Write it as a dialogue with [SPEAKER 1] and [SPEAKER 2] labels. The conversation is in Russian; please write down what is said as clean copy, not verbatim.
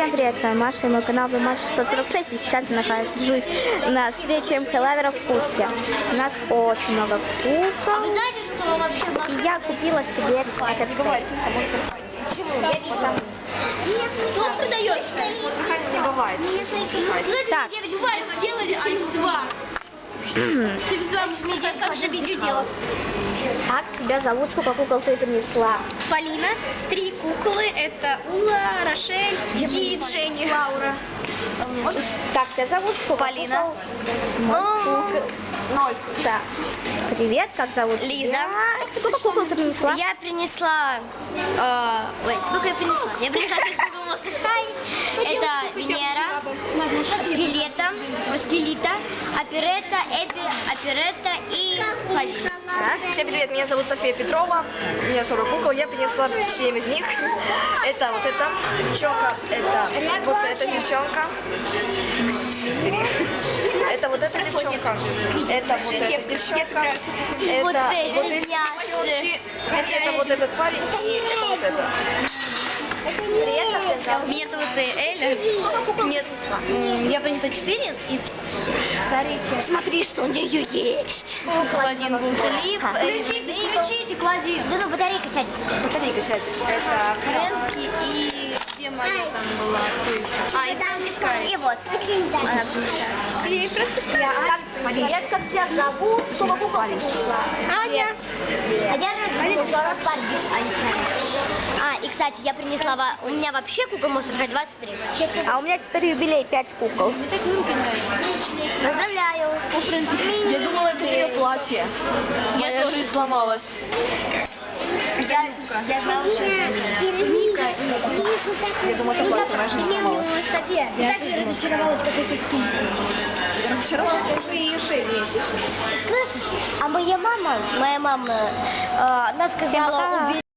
[SPEAKER 1] Всем привет, с вами Маша и мой канал Маша646, и сейчас я нахожусь на встрече МХ-лавера в Курске. У нас очень много кукол.
[SPEAKER 2] А вы знаете, что вообще...
[SPEAKER 1] И я купила себе этот
[SPEAKER 2] бывает, Кто продает?
[SPEAKER 3] Не бывает.
[SPEAKER 1] Так.
[SPEAKER 2] 9 делали Sims 2. Sims 2 мне как же видео делать.
[SPEAKER 1] Как тебя зовут, сколько кукол ты принесла?
[SPEAKER 2] Полина, 3 куклы, это Ула, Рошель и Дженни. Лаура.
[SPEAKER 1] Как тебя зовут, сколько
[SPEAKER 2] Полина.
[SPEAKER 1] кукол? 0. Да. Привет, как зовут
[SPEAKER 2] Лиза.
[SPEAKER 1] тебя? Сколько кукол ты принесла?
[SPEAKER 2] Я принесла... ой, сколько я принесла? Я принесла 6 кукол Monster High. Это Венера, Скелета, Оперетта, Эбби, Оперетта и Фази.
[SPEAKER 3] Всем привет, меня зовут София Петрова, у меня 40 кукол, я принесла 7 из них. Это вот эта девчонка, это вот эта девчонка, это вот эта девчонка, это вот эта девчонка, это вот эти девчонки, это вот этот парень и это вот это.
[SPEAKER 1] Привет, как тебя зовут?
[SPEAKER 2] Меня зовут Эля. Нет, я принесла 4 из...
[SPEAKER 1] Смотрите.
[SPEAKER 2] Смотри, что у нее есть. Один был Филипп.
[SPEAKER 3] Включите, клади.
[SPEAKER 2] Да ну, батарейка сядет.
[SPEAKER 3] Батарейка сядет.
[SPEAKER 2] Это Фрэнки и... Где моя там была? И Скай.
[SPEAKER 1] И вот. Привет, как тебя зовут? Сколько кукол ты принесла?
[SPEAKER 2] Аня.
[SPEAKER 1] А я принесла Барби.
[SPEAKER 2] И, кстати, я принесла... У меня вообще кукол Monster High 23.
[SPEAKER 1] А у меня теперь юбилей 5 кукол.
[SPEAKER 2] Мне так руки нравятся.
[SPEAKER 1] Поздравляю.
[SPEAKER 3] Я думала, это ее платье. Моя жизнь сломалась.
[SPEAKER 1] Я знала, что это Ника и...
[SPEAKER 3] Я думала, это платье, моя жизнь сломалась.
[SPEAKER 1] София, я так разочаровалась, как и со скин.
[SPEAKER 3] Разочаровалась, как вы ее шею месяц.
[SPEAKER 1] Слышишь, а моя мама, она сказала,